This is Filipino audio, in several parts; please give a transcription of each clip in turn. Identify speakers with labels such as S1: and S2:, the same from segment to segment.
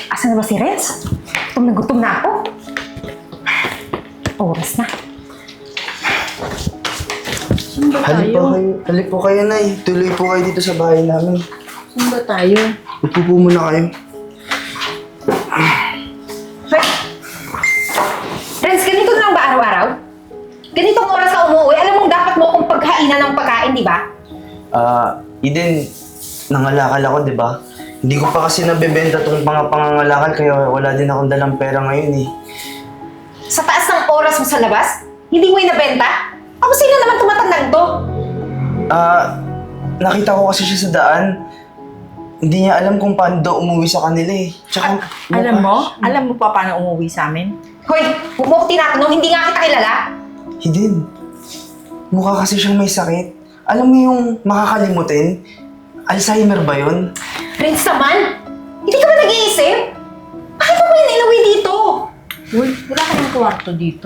S1: Asan na ba si Renz? Gutom na ako. Oras na.
S2: Saan ba
S3: Halip
S2: tayo?
S3: po kayo, Nay. Tuloy po kayo dito sa bahay namin.
S2: Saan ba tayo?
S3: Upo po muna kayo.
S1: Hoy! Renz, ganito na lang ba araw-araw? Ganitong oras ka umuwi, alam mong dapat mo akong paghainan ng pagkain, di ba?
S3: Eden, nangalakal ako, di ba? Hindi ko pa kasi nabebenta tong mga pangangalakal, kaya wala din akong dalang pera ngayon eh.
S1: Sa taas ng oras mo sa labas, hindi mo inabenta? Ako sino naman tumatandang to?
S3: Nakita ko kasi siya sa daan. Hindi niya alam kung paano daw umuwi sa kanila eh. Tsaka,
S2: Alam mo pa paano umuwi sa amin?
S1: Hoy, huwag mo ko tinatanong, hindi nga kita kilala.
S3: Eden, mukha kasi siyang may sakit. Alam mo yung makakalimutin? Alzheimer ba yun?
S1: Renz naman, hindi ka ba nag-iisip? Bakit mo ba yun inuwi dito?
S2: Uy, wala ka ng kwarto dito.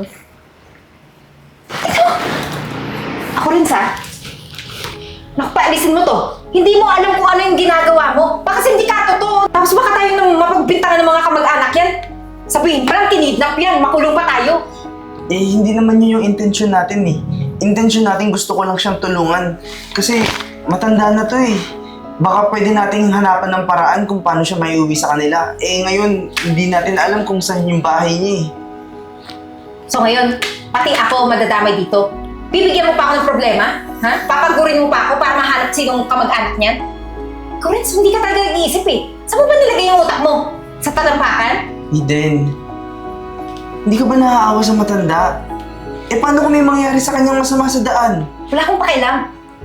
S1: Ako rin sa. Naku, paalisin mo to. Hindi mo alam kung ano yung ginagawa mo. Baka kasi hindi ka totoo. Tapos baka tayo nang mapagbintangan ng mga kamag-anak yan. Sabihin pa lang, kinidnap yan. Makulong pa tayo.
S3: Eh, hindi naman yun yung intention natin eh. Intention natin gusto ko lang siyang tulungan. Kasi matanda na to eh. Baka pwede nating hanapan ng paraan kung paano siya maiuwi sa kanila. Eh ngayon, hindi natin alam kung saan yung bahay niya eh.
S1: So ngayon, pati ako madadamay dito. Bibigyan mo pa ako ng problema? Ha? Papagurin mo pa ako para mahanap sinong kamag-anak niyan? Correct, hindi ka talaga nag-iisip eh. Saan mo ba nilagay yung utak mo? Sa talampakan?
S3: Eden, hindi ka ba naaawa sa matanda? Eh paano kung may mangyari sa kanyang masama sa daan?
S1: Wala akong pakialam.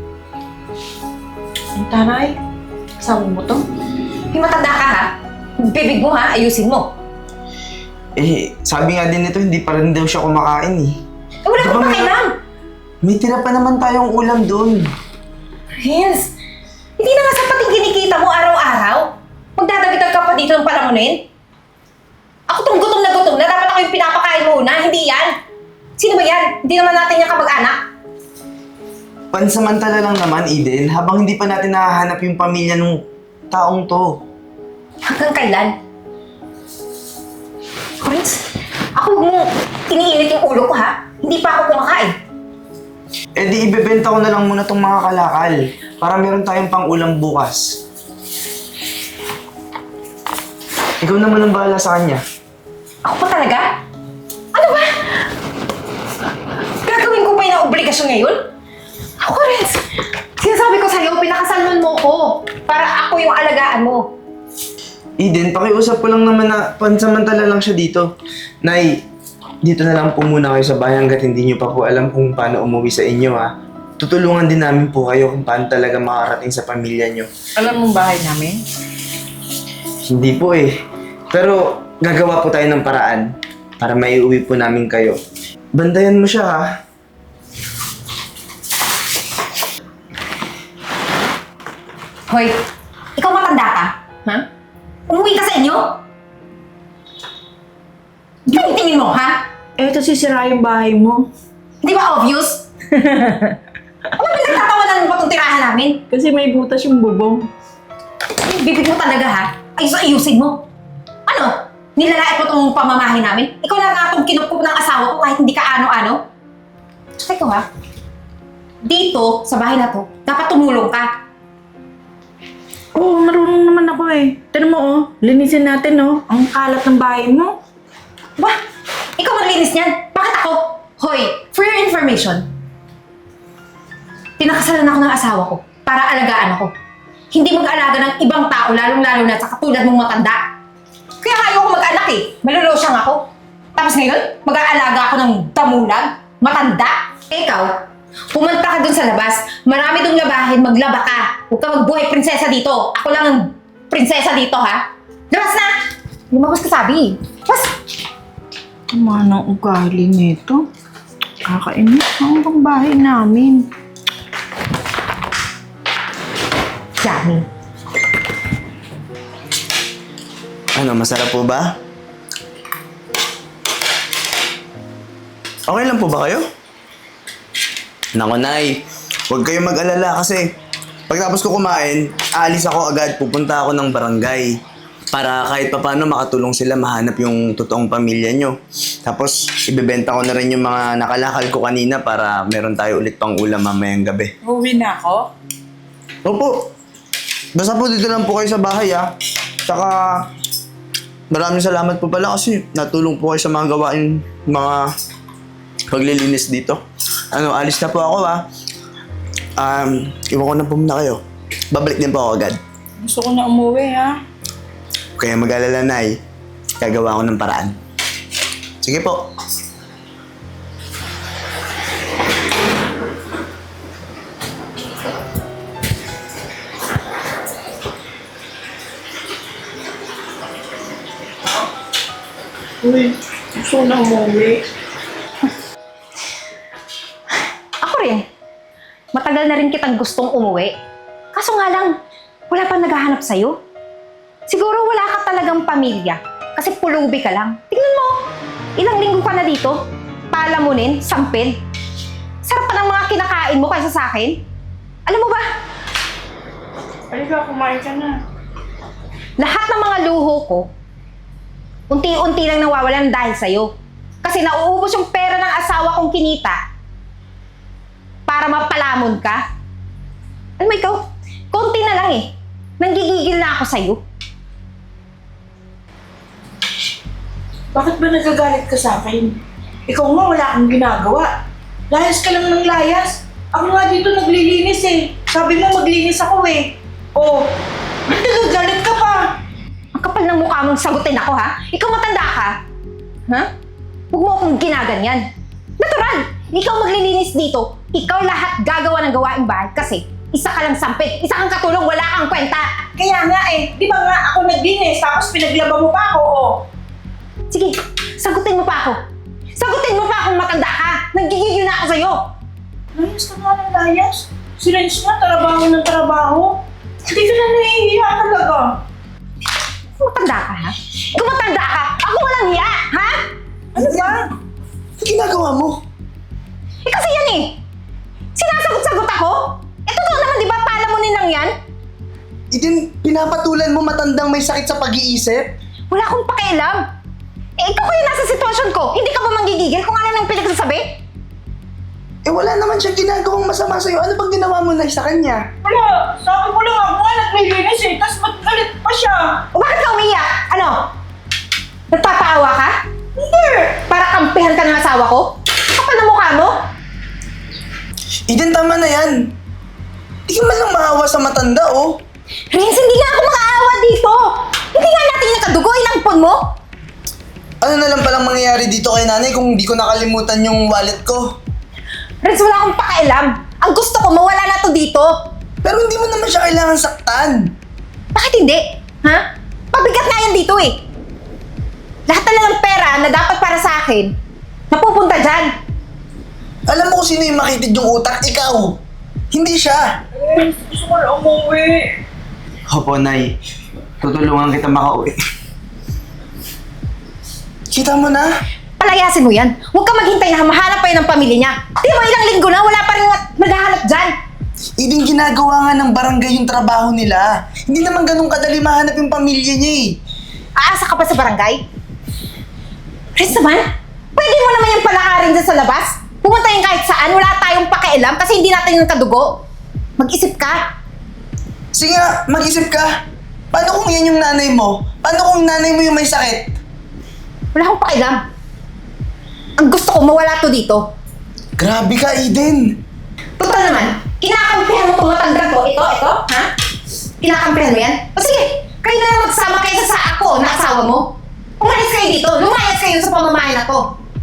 S2: Ang taray, kasama mo to?
S1: May matanda ka ha? Bibig mo ha? Ayusin mo.
S3: Eh, sabi nga din nito, hindi pa rin daw siya kumakain eh.
S1: Eh, wala akong pakialam.
S3: May tira pa naman tayong ulam doon.
S1: Vince, hindi na nga sapat yung kinikita mo araw-araw. Magdadagitan ka pa dito ng palamunin. Ako tong gutom na dapat ako yung pinapakain mo una, hindi yan. Sino ba yan? Hindi naman natin yung kamag-anak.
S3: Pansamantala lang naman, Eden, habang hindi pa natin nahahanap yung pamilya ng taong to.
S1: Hanggang kailan? Vince, ako mo iniinit yung ulo ko ha. Hindi pa ako kumakain.
S3: Eh di ibebenta ko na lang muna tong mga kalakal para meron tayong pang-ulam bukas. Ikaw naman ang bahala sa kanya.
S1: Ako pa talaga? Ano ba? Gagawin ko pa yung obligasyon ngayon? Ako, Renz! Sinasabi ko sa'yo, pinakasalman mo ko para ako yung alagaan mo.
S3: Eden, pakiusap ko lang naman na pansamantala lang siya dito. Nay, dito na lang po muna kayo sa bahay hanggat hindi nyo pa po alam kung paano umuwi sa inyo ha. Tutulungan din namin po kayo kung paano talaga makarating sa pamilya nyo.
S2: Alam mong bahay namin?
S3: Hindi po eh. Pero gagawa po tayo ng paraan para maiuwi po namin kayo. Bandayan mo siya ha.
S1: Hoy, ikaw matanda ka? Ha? Umuwi ka sa inyo? Tingin mo, ha?
S2: Eh, ito sisira yung bahay mo.
S1: Di ba obvious? Ano ba nagtatawanan mo pa itong tirahan namin?
S2: Kasi may butas yung bubong.
S1: Yung bibig mo talaga, ha? Ayusin mo. Ano? Nilalait mo itong pamamahay namin? Ikaw na nga itong kinukup ng asawa ko kahit hindi ka ano-ano? Tsaka ikaw, ha? Dito, sa bahay na to, dapat tumulong ka.
S2: Oo, marunong naman ako eh. Tignan mo oh, linisin natin oh. Ang kalat ng bahay mo.
S1: Ba? Ikaw maglinis niyan? Bakit ako? Hoy, for your information, pinakasalan ako ng asawa ko para alagaan ako. Hindi mag-alaga ng ibang tao, lalong-lalo na sa katulad mong matanda. Kaya nga ayoko mag-anak eh. Malulusyang ako. Tapos ngayon, mag-aalaga ako ng damulag, matanda. Ikaw, pumunta ka dun sa labas. Marami dong labahin, maglaba ka. Huwag ka magbuhay prinsesa dito. Ako lang ang prinsesa dito, ha? Labas na! Lumabas ka sabi. Labas!
S2: Tama ng ugali nito. Kakainis ang bahay namin.
S1: Yummy.
S3: Ano, masarap po ba? Okay lang po ba kayo? Nako, Nay. Huwag kayong mag-alala kasi pagtapos ko kumain, aalis ako agad, pupunta ako ng barangay. para kahit papaano makatulong sila mahanap yung totoong pamilya nyo. Tapos, ibebenta ko na rin yung mga nakalakal ko kanina para meron tayo ulit pang ulam mamayang gabi.
S2: Uwi na ako?
S3: Opo. Basta po dito lang po kayo sa bahay, ah. Tsaka, maraming salamat po pala kasi natulong po kayo sa mga gawain, mga paglilinis dito. Alis na po ako, ah. Iwan ko na po muna kayo. Babalik din po ako agad.
S2: Gusto ko na umuwi, ha?
S3: Kaya mag-alala, Nay. Gagawa ko ng paraan. Sige po.
S2: Uy, gusto ko na umuwi.
S1: Ako rin. Matagal na rin kitang gustong umuwi. Kaso nga lang, wala pang naghahanap sa'yo. Siguro wala ka talagang pamilya. Kasi pulubi ka lang. Tingnan mo, ilang linggo ka na dito. Palamunin, sampid. Sarap pa ng mga kinakain mo kaysa sa akin. Alam mo ba,
S2: Halika, kumain ka na.
S1: lahat ng mga luho ko, unti-unti lang nawawalan dahil sa'yo. Kasi nauubos yung pera ng asawa kong kinita para mapalamon ka. Alam mo ikaw, konti na lang eh. Nanggigigil na ako sa'yo.
S2: Bakit ba nagagalit ka sa akin? Ikaw nga wala kang ginagawa. Layas ka lang ng layas. Ako nga dito naglilinis eh. Sabi mo maglinis ako eh. Oh, ba't nagagalit ka pa?
S1: Ang kapal ng mukha mong sagutin ako, ha? Ikaw matanda ka. Ha? Huwag mo akong ginaganyan. Natural! Ikaw maglilinis dito. Ikaw lahat gagawa ng gawaing bahay kasi isa ka lang sampid, isa kang katulong, wala kang kwenta.
S2: Kaya nga eh, di ba nga ako naglinis tapos pinaglaba mo pa ako oh.
S1: Sige, sagutin mo pa ako. Sagutin mo pa akong matanda ka. Nagigigil na ako sa'yo.
S2: Layas ka nga ng layas. Si Renz nga, trabaho ng trabaho. Hindi ka na nahihiya talaga.
S1: Matanda ka, ha? Ikaw matanda ka. Ako walang hiya, ha?
S2: Ano ba?
S3: Ano ginagawa mo?
S1: Eh kasi yan eh. Sinasagot-sagot ako. Eh totoo naman, di ba? Palamunin lang yan.
S3: Eden, pinapatulan mo matandang may sakit sa pag-iisip?
S1: Wala akong pakialam. Eh ikaw kayo nasa sitwasyon ko. Hindi ka ba manggigigil kung ano nang pinagsasabi?
S3: Eh wala naman siyang ginagawang masama sa'yo. Ano bang ginawa mo na sa kanya?
S2: Wala, sabi ko lang ako nga naglilinis eh, tapos ba't galit pa siya?
S1: O bakit ka umiiyak? Ano? Nagpapaawa ka?
S2: Hindi!
S1: Para kampihan ka ng asawa ko? Kapal na mukha mo?
S3: Eden, tama na yan. Di ka man lang maawa sa matanda, oh.
S1: Renz, hindi nga ako makaawa dito. Hindi nga natin nakadugo, inampon mo.
S3: Ano na lang palang mangyayari dito kay nanay kung di ko nakalimutan yung wallet ko?
S1: Renz, wala akong pakialam. Ang gusto ko, mawala na to dito.
S3: Pero hindi mo naman siya kailangan saktan.
S1: Bakit hindi? Ha? Pabigat nga yan dito eh. Lahat na lang ng pera na dapat para sa akin, napupunta dyan.
S3: Alam mo kung sino yung makitid yung utak? Ikaw. Hindi siya.
S2: Eh, gusto ko na umuwi.
S3: Opo, Nay. Tutulungan kita makauwi. Kita mo na?
S1: Palayasin mo yan. Huwag ka maghintay na mahanap pa yun ng pamilya niya. Di mo ilang linggo na, wala pa rin naghahanap dyan.
S3: Iding ginagawa nga ng barangay yung trabaho nila. Hindi naman ganun kadali mahanap yung pamilya niya eh.
S1: Aasa ka pa sa barangay? Renz naman, pwede mo naman yung palakarin dyan sa labas. Pumunta yung kahit saan, wala tayong pakialam kasi hindi natin yung kadugo. Mag-isip ka.
S3: Sige nga, mag-isip ka. Paano kung yan yung nanay mo? Paano kung nanay mo yung may sakit?
S1: Wala akong pakialam. Ang gusto ko, mawala to dito.
S3: Grabe ka, Eden.
S1: Total naman, kinakampihan mo itong matandang to. Ito, ha? Kinakampihan mo yan? O sige, kayo na lang magsama kaysa sa ako na asawa mo. Umalis kayo dito, lumayas kayo sa pamamahay na to.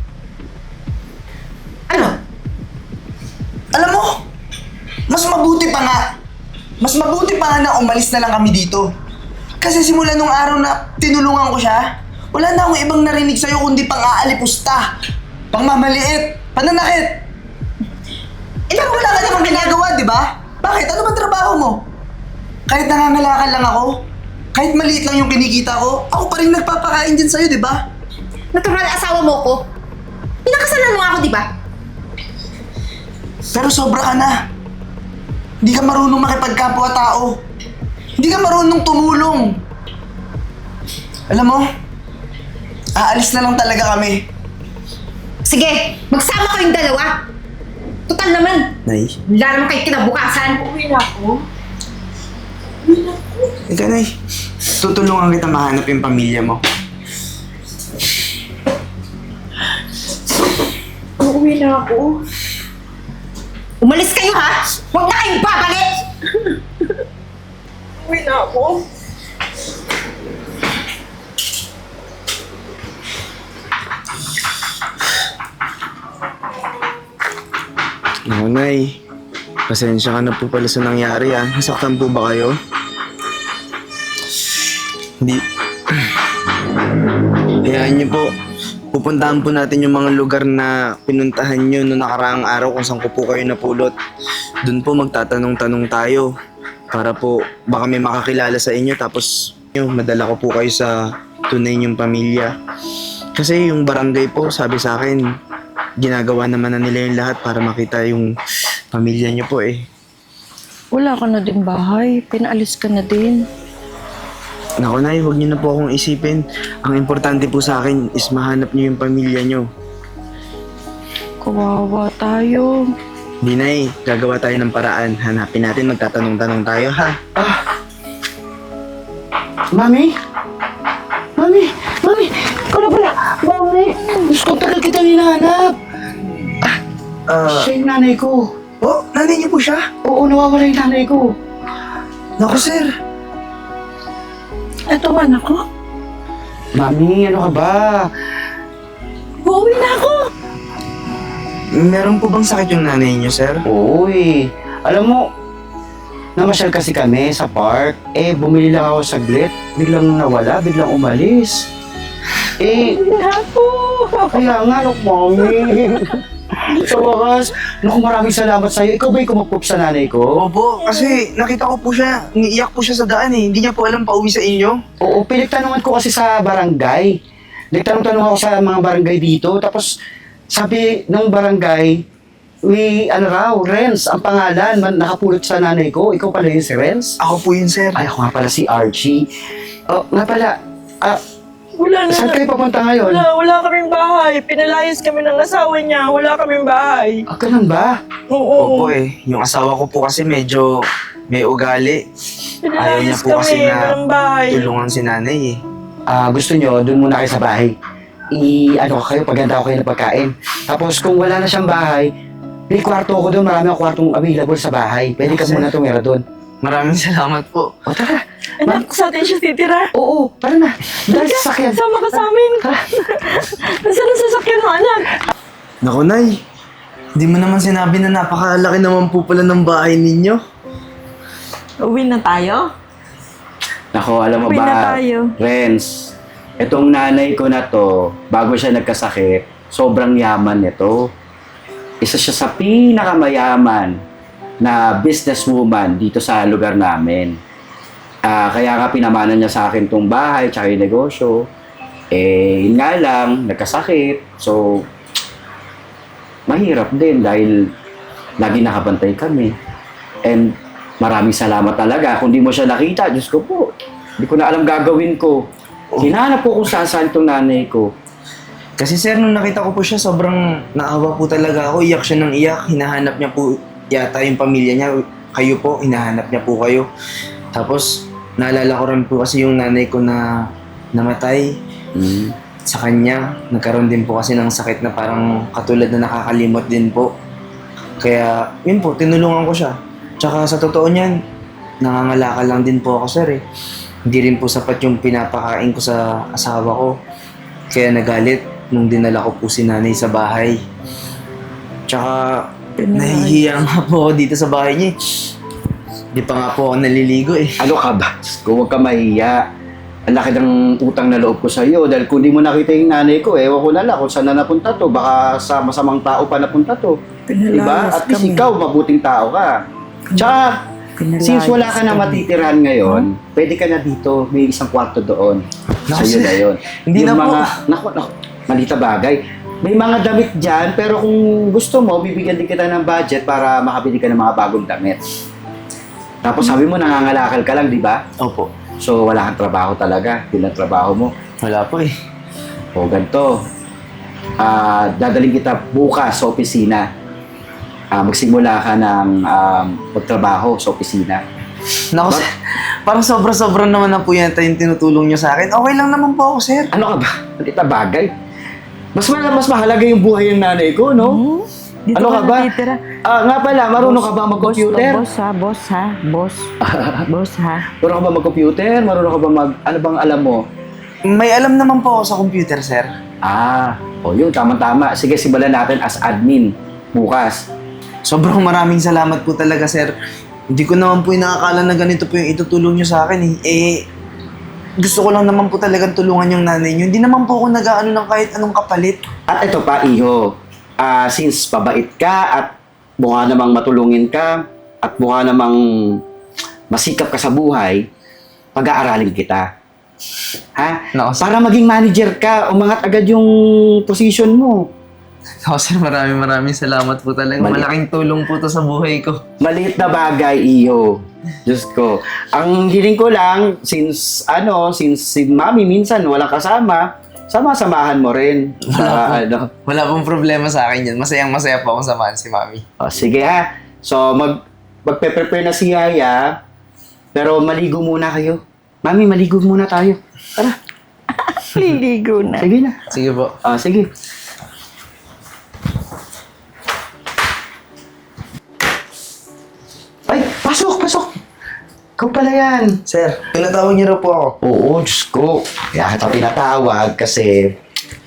S1: Ano?
S3: Alam mo, mas mabuti pa nga. Mas mabuti pa nga na umalis na lang kami dito. Kasi simula nung araw na tinulungan ko siya, wala na akong ibang narinig sa'yo kundi pang-aalipusta, pangmamaliit, pananakit. Pero wala ka namang ginagawa, di ba? Bakit? Ano bang trabaho mo? Kahit nangangalakal lang ako, kahit maliit lang yung kinikita ko, ako pa rin nagpapakain din sa'yo, di ba?
S1: Natural asawa mo ko. Pinakasalan mo ako, di ba?
S3: Pero sobra ka na. Hindi ka marunong makipagkapwa-tao. Hindi ka marunong tumulong. Alam mo, aalis na lang talaga kami.
S1: Sige, magsama kayong dalawa. Total naman,
S3: Nay,
S1: wala naman kayo kinabukasan.
S2: Uwi na ako.
S3: ikaw Nay. Tutulungan kita mahanap yung pamilya mo.
S2: Uwi na ako.
S1: Umalis kayo ha! Huwag na kayong babalik!
S2: Uwi na ako.
S3: Naku, Nay. Pasensya ka na po pala sa nangyari, ah. Nasaktan po ba kayo? Hindi. Hayaan niyo po. Pupuntahan po natin yung mga lugar na pinuntahan niyo noong nakaraang araw kung saan ko po kayo napulot. Doon po magtatanong-tanong tayo. Para po baka may makakilala sa inyo tapos madala ko po kayo sa tunay niyong pamilya. Kasi yung barangay po, sabi sa akin, ginagawa naman na nila yung lahat para makita yung pamilya niyo po eh.
S4: Wala ka na din bahay. Pinaalis ka na din.
S3: Naku Nay, huwag niyo na po akong isipin. Ang importante po sa akin is mahanap niyo yung pamilya niyo.
S4: Kawawa tayo.
S3: Di Nay, gagawa tayo ng paraan. Hanapin natin, magtatanong-tanong tayo ha.
S5: Mami? Mami! Mami! Ikaw na pala! Mami! Gusto ko tagal kitang hinahanap! Siya yung nanay ko.
S3: Oh, nanay niyo po siya?
S5: Oo, nawawala yung nanay ko.
S3: Naku sir.
S4: Eto anak ko.
S5: Mami, ano ka ba?
S4: Uuwi na ako.
S3: Meron po bang sakit yung nanay niyo sir?
S5: Oo eh. Alam mo, namasyal kasi kami sa park. Eh, bumili lang ako saglit. Biglang nawala, biglang umalis. Eh,
S4: Ako.
S5: kaya nga, look, Mami. Sa wakas, naku, maraming salamat sa'yo. Ikaw ba yung kumapop sa nanay ko?
S3: Opo, kasi nakita ko po siya, niiyak po siya sa daan eh. Hindi niya po alam pauwi sa inyo.
S5: Oo, pinagtanungan ko kasi sa barangay. Nagtanong-tanong ako sa mga barangay dito. Tapos, sabi ng barangay, ano raw, Renz, ang pangalan, nakapulot sa nanay ko. Ikaw pala yun si Renz?
S3: Ako po yun sir.
S5: Ay, ako nga pala si Archie. Oh, nga pala,
S4: Wala na.
S5: saan kayo papunta ngayon?
S4: Wala kaming bahay. Pinalayas kami ng asawa niya. Wala kaming bahay.
S5: Ganun ba?
S3: Opo eh, yung asawa ko po kasi medyo may ugali. Ayaw niya po kasi na
S4: bahay.
S3: tulungan si nanay eh.
S5: Gusto nyo, dun muna kayo sa bahay. Ano ko kayo, paghanda ko kayo ng pagkain. Tapos kung wala na siyang bahay, may kwarto ko doon, marami akong kwartong available sa bahay. Pwede ka
S3: Sir.
S5: muna tumira doon.
S3: Maraming salamat po.
S5: O tara,
S4: Anak, sa atin siya titira.
S5: oo, tara na. Dahil sa sakyan.
S4: Sama ka sa amin. Nasaan ang sasakyan mo, anak?
S3: Naku Nay, hindi mo naman sinabi na napakalaki naman po pala ng bahay ninyo.
S4: Uwi na tayo?
S6: Nako, alam mo
S4: Uwi na
S6: ba,
S4: tayo.
S6: Renz, itong nanay ko na to, bago siya nagkasakit, sobrang yaman nito. Isa siya sa pinakamayaman na businesswoman dito sa lugar namin. Kaya nga pinamana niya sa akin tong bahay tsaka yung negosyo. Eh, yun nga lang, nagkasakit. So, mahirap din dahil lagi nakabantay kami. And maraming salamat talaga. Kung di mo siya nakita, Diyos ko po, hindi ko na alam gagawin ko. Hinahanap ko kung saan itong nanay ko.
S3: Kasi sir, nung nakita ko po siya, sobrang naawa po talaga ako. Iyak siya ng iyak. Hinahanap niya po yata yung pamilya niya. Kayo po, hinahanap niya po kayo. Tapos, naalala ko rin po kasi yung nanay ko na namatay. Sa kanya, nagkaroon din po kasi ng sakit na parang katulad na nakakalimot din po. Kaya, yun po, tinulungan ko siya. Tsaka sa totoo niyan, nangangalakal lang din po ako sir eh. Hindi rin po sapat yung pinapakain ko sa asawa ko. Kaya nagalit nung dinala ko po si nanay sa bahay. Tsaka, nahihiya nga po ako dito sa bahay niya eh. Di pa nga po ako naliligo eh.
S6: Ano ka ba? Diyos ko, huwag ka mahiya. Ang laki ng utang na loob ko sa iyo dahil kung di mo nakita yung nanay ko, ewan ko na lang kung saan na napunta to. Baka sa masamang tao pa napunta to. Diba? At least ikaw, mabuting tao ka. Tsaka, since wala ka na matitirahan ngayon, pwede ka na dito. May isang kwarto doon.
S3: Naku,
S6: Sa'yo
S3: sir.
S6: na yun.
S3: Hindi
S6: Yung
S3: na po.
S6: Naku, malita bagay. May mga damit dyan, pero kung gusto mo, bibigyan din kita ng budget para makabili ka ng mga bagong damit. Tapos sabi mo, nangangalakal ka lang, di ba?
S3: Opo.
S6: So, wala kang trabaho talaga. Yun ang trabaho mo.
S3: Wala po eh.
S6: O, ganito. Dadaling kita bukas sa opisina. Magsimula ka ng magtrabaho sa opisina.
S3: Naku, sir. Parang sobra-sobra naman na po yan yung tinutulong nyo sa akin. Okay lang naman po ako, sir.
S6: Ano ka ba? Maliit na bagay. Mas mahalaga yung buhay ng nanay ko, no?
S4: Dito
S6: Ano ka ba?
S4: natitira.
S6: Nga pala, marunong ka ba mag-computer?
S4: Boss ha. Boss ha.
S6: Marunong ka ba mag-computer? Marunong ka ba ano bang alam mo?
S3: May alam naman po ako sa computer, sir.
S6: Yun, tama-tama. Sige, simulan natin as admin bukas.
S3: Sobrang maraming salamat po talaga, sir. Hindi ko naman po inakakala na ganito po yung itutulong nyo sa akin eh. Gusto ko lang naman po talagang tulungan yung nanay nyo. Hindi naman po ako nag-aano ng kahit anong kapalit.
S6: At ito pa, Iho. Since pabait ka at mukha namang matulungin ka at mukha namang masikap ka sa buhay, pag-aaralin kita. Ha?
S3: Naku, sir.
S6: Para maging manager ka, umangat agad yung position mo.
S3: Naku, sir, maraming salamat po talaga. Malaking tulong po to sa buhay ko.
S6: Maliit na bagay, Iho. Diyos ko. Ang hiling ko lang, since si Mami minsan walang kasama, sama-samahan mo rin.
S3: Wala pong problema sa akin yan. Masayang-masaya po akong samahan si Mami.
S6: Sige ha. So, magpe-prepare na si Yaya, pero maligo muna kayo. Mami, maligo muna tayo. Tara.
S4: Liligo na.
S6: Sige na.
S3: Sige po.
S6: Sige. Ay, pasok. Ikaw pala yan.
S3: Sir, pinatawag niyo raw po ako.
S6: Oo, Diyos ko. Kaya kita pinatawag kasi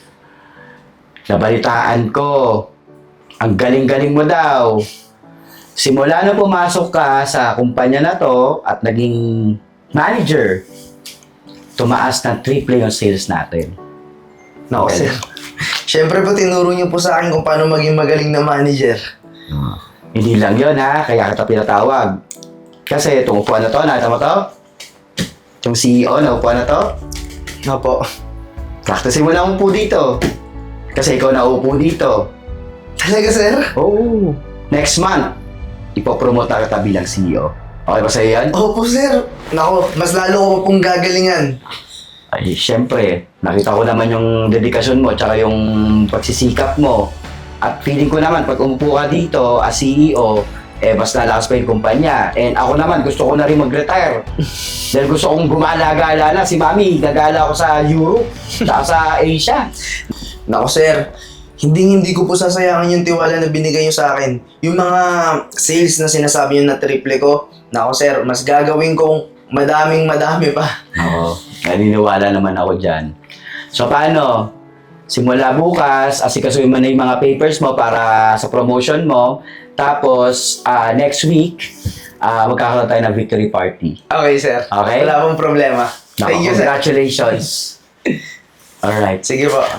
S6: nabalitaan ko. Ang galing-galing mo daw. Simula na pumasok ka sa kumpanya na to at naging manager, tumaas ng triple yung sales natin.
S3: No, sir. Siyempre po, tinuro niyo po sa akin kung paano maging magaling na manager.
S6: Hindi lang yun ha, kaya kita pinatawag. Kasi itong upuan na to, nakita mo to? Itong CEO na upuan na to,
S3: Opo.
S6: practicein mo na upo dito. Kasi ikaw na upo dito.
S3: Talaga, sir?
S6: Oo. Next month, ipopromote na kita bilang CEO. Okay ba sa'yo yan?
S3: Opo, sir. Naku, mas lalo ko pa pong gagalingan.
S6: Ay, syempre, nakita ko naman yung dedikasyon mo tsaka yung pagsisikap mo. At feeling ko naman, pag umupo ka dito as CEO, mas lalakas pa yung kumpanya. And ako naman, gusto ko na rin mag-retire. Dahil gusto kong gumala-gala na. Si Mami, gagala ako sa Europe, tsaka sa Asia.
S3: Naku, sir. Hindi ko po sasayangin yung tiwala na binigay niyo sa akin. Yung mga sales na sinasabi niyo na triple ko, naku, sir, mas gagawin kong madami pa.
S6: Oo, naniniwala naman ako dyan. So paano? Simula bukas, asikasuhin mo na yung mga papers mo para sa promotion mo. Tapos, next week, magkakaroon tayo ng victory party.
S3: Okay, sir.
S6: Okay?
S3: Wala pong problema. Thank you, sir.
S6: Congratulations. Alright.
S3: Sige po.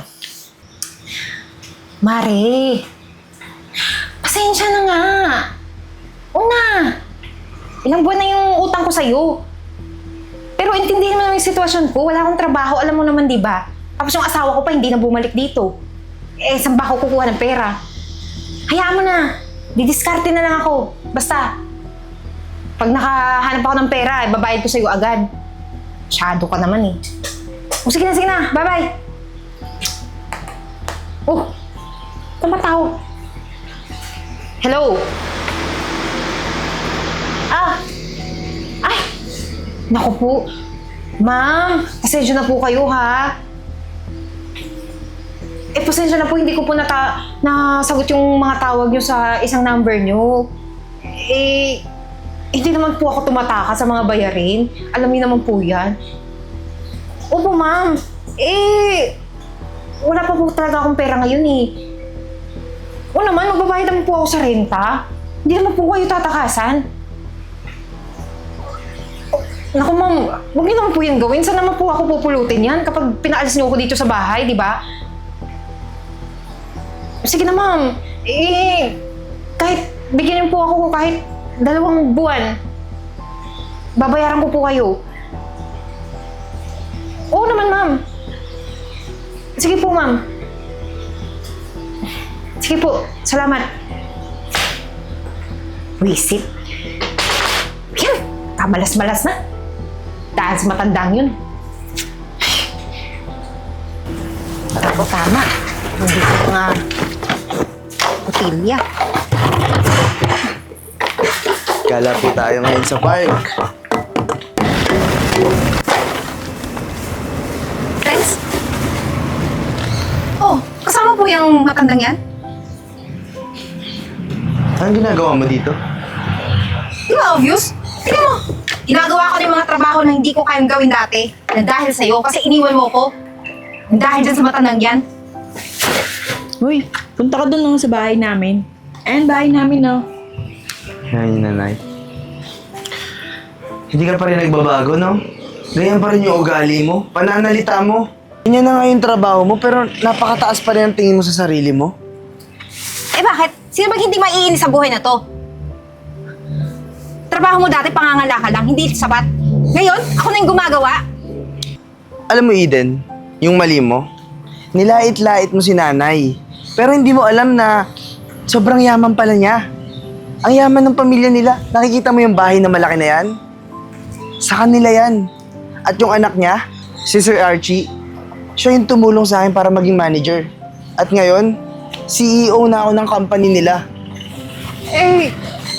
S1: Mare, pasensya na nga. Una, ilang buwan na yung utang ko sa'yo. Pero intindihin mo naman yung sitwasyon ko. Wala akong trabaho, alam mo naman, di ba? Tapos yung asawa ko pa hindi na bumalik dito. Saan ba ako kukuha ng pera? Hayaan mo na. Didiskarte na lang ako. Basta, pag nakahanap ako ng pera, babayad ko sa'yo agad. Masyado ka naman eh. Sige na. Bye-bye. Oh, tumatawag. Hello? Ay! Naku po. Ma'am, pasensya na po kayo ha. Pasensya na po, hindi ko po nasagot yung mga tawag nyo sa isang number nyo. Hindi naman po ako tumataka sa mga bayarin. Alam niyo naman po yan. Opo, ma'am. Wala pa po talaga akong pera ngayon eh. O naman, magbabayad naman po ako sa renta. Hindi naman po kayo tatakasan. Naku, ma'am, huwag niyo naman po yan gawin. Saan naman po ako pupulutin yan kapag pinaalis niyo ako dito sa bahay, di ba? Sige na, ma'am. Kahit bigyan niyo po ako kahit 2 buwan, babayaran ko po kayo. Oo naman, ma'am. Sige po, ma'am. Sige po, salamat. Wisit. Yan, kamalas-malas na. Dahil sa matandang yun. Ako tama. Hindi ko mga botilya.
S3: Gala po tayo ngayon sa park.
S1: Friends? Oh, kasama po yung matandang yan?
S3: Anong ginagawa mo dito?
S1: Di ba obvious? Tingnan mo. Ginagawa ko na yung mga trabaho na hindi ko kayang gawin dati. Na dahil sa'yo, kasi iniwan mo ko. Dahil dyan sa matandang yan.
S2: Uy, punta ka doon lang sa bahay namin. Ayan, bahay namin, no?
S3: Ay, nanay. Hindi ka pa rin nagbabago, no? Ganyan pa rin yung ugali mo, pananalita mo. Ganyan na nga yung trabaho mo, pero napakataas pa rin ang tingin mo sa sarili mo.
S1: Eh bakit? Sino bang hindi maiinis sa buhay na to? Trabaho mo dati, pangangalakal lang, hindi sapat. Ngayon, ako na yung gumagawa.
S3: Alam mo, Eden, yung mali mo, nilait-lait mo si nanay. Pero hindi mo alam na sobrang yaman pala niya. Ang yaman ng pamilya nila. Nakikita mo yung bahay na malaki na yan? Sa kanila yan. At yung anak niya, si Sir Archie, siya yung tumulong sa akin para maging manager. At ngayon, CEO na ako ng company nila.
S1: Eh,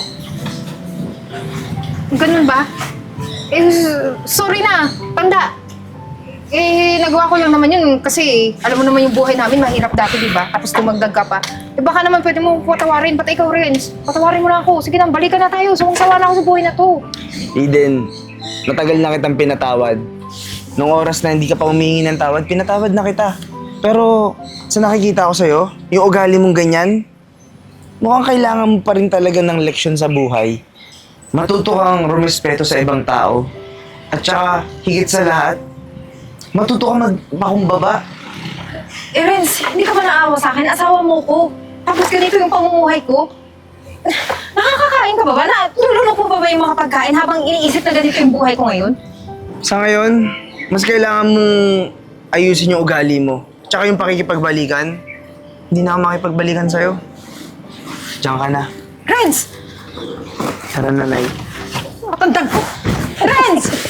S1: ganun ba? Eh, sorry na, tanda. Eh, nagawa ko lang naman yun kasi alam mo naman yung buhay namin, mahirap dati, di ba? Tapos tumagdag ka pa. Eh, baka naman pwede mo patawarin, pati ikaw rin. Patawarin mo na ako. Sige na, balikan na tayo. Sawang-sawa na ako sa buhay na to.
S3: Eden, matagal na kitang pinatawad. Nung oras na hindi ka pa humingi ng tawad, pinatawad na kita. Pero sa nakikita ko sa'yo, yung ugali mong ganyan, mukhang kailangan mo pa rin talaga ng leksyon sa buhay. Matuto kang rumespeto sa ibang tao. At saka, higit sa lahat, matuto kang magpakumbaba.
S1: Eh, Renz, hindi ka ba naawa sa akin? Asawa mo ko. Tapos ganito yung pamumuhay ko. Nakakakain ka ba ba? Nalulunok mo ba yung mga pagkain habang iniisip na ganito yung buhay ko ngayon?
S3: Sa ngayon, mas kailangan mong ayusin yung ugali mo. Tsaka yung pakikipagbalikan, hindi na ako makipagbalikan sa'yo. Diyan ka na.
S1: Renz!
S3: Tara, nanay.
S1: Matandang ko! Renz!